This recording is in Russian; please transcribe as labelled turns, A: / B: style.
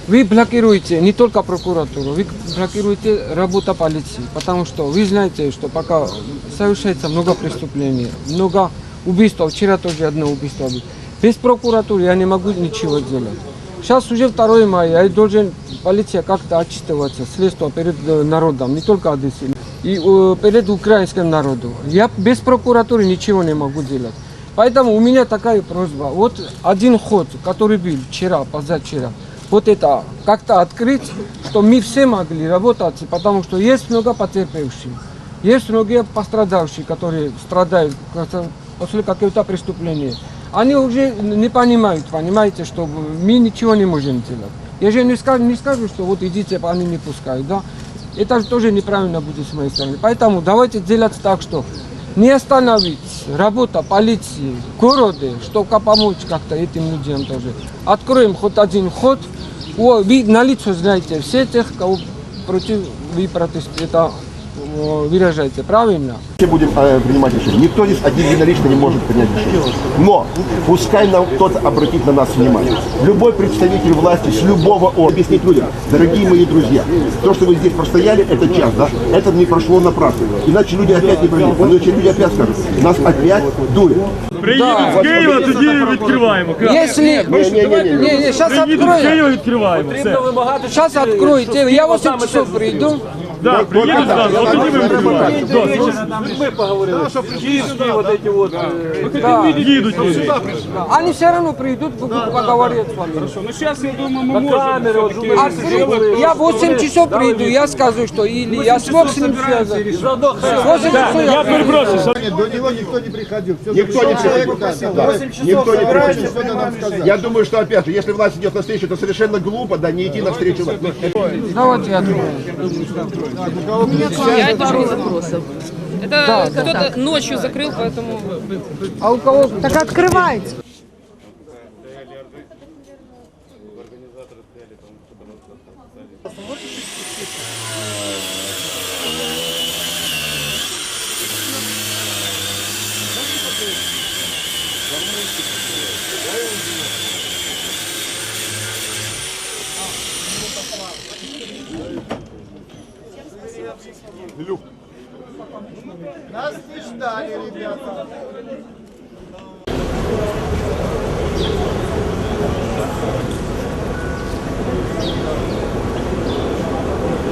A: вы блокируете не только прокуратуру, вы блокируете работу полиции, потому что вы знаете, что пока совершается много преступлений, много убийств, вчера тоже одно убийство было. Без прокуратуры я не могу ничего сделать. Сейчас уже 2 мая, я должен полиция как-то отчитываться, следствие перед народом, не только Одессы, и перед украинским народом. Я без прокуратуры ничего не могу делать. Поэтому у меня такая просьба. Вот один ход, который был вчера, позавчера, вот это как-то открыть, что мы все могли работать, потому что есть много потерпевших, есть многие пострадавшие, которые страдают после какого-то преступления. Они уже не понимают, понимаете, что мы ничего не можем делать. Я же не скажу, что вот идите, они не пускают, да? Это тоже неправильно будет с моей стороны. Поэтому давайте делать так, что не остановить работу полиции в городе, чтобы помочь как-то этим людям тоже. Откроем хоть один ход. Вы на лицо знаете все тех, кого против вы протестуете, выражаете, правильно?
B: Все будем принимать решение. Никто здесь один единолично не может принять решение. Но пускай нам кто-то обратит на нас внимание. Любой представитель власти с любого объяснить людям, дорогие мои друзья, то, что вы здесь простояли, это час, да, это не прошло напрасно. Иначе люди опять не пройдут. Иначе люди опять скажут, нас опять дуют.
C: Приїдуть з Києва, тоді відкриваємо.
A: Если... Не, сейчас
C: Приїдуть з Києва,
A: открою.
C: відкриваємо. Все.
A: Сейчас откроете. Я 8 часов приду.
C: Да, приїдуть зразу, от тоді ми відкриваємо.
D: Мы поговорили. Киевские вот эти вот.
C: Їдуть люди.
A: Они все равно придут, поговорят с вами.
D: Ну сейчас, я думаю, мы можем.
A: Открыть. Я 8 часов приду, я скажу, что или я смог с ним связаться. 8 часов
C: Я перепрошую, що
E: До него никто не приходил. Все
B: Никто не приходил. Да. Никто не приходил.
E: что нам сказать.
B: Я думаю, что опять же, если власть идет навстречу, то совершенно глупо, да, не идти навстречу власти.
A: Давайте я открою.
F: Я тоже не запросов. Это кто-то ночью закрыл, поэтому...
A: А у кого?
G: Так открывайте.
E: Нас не ждали, ребята.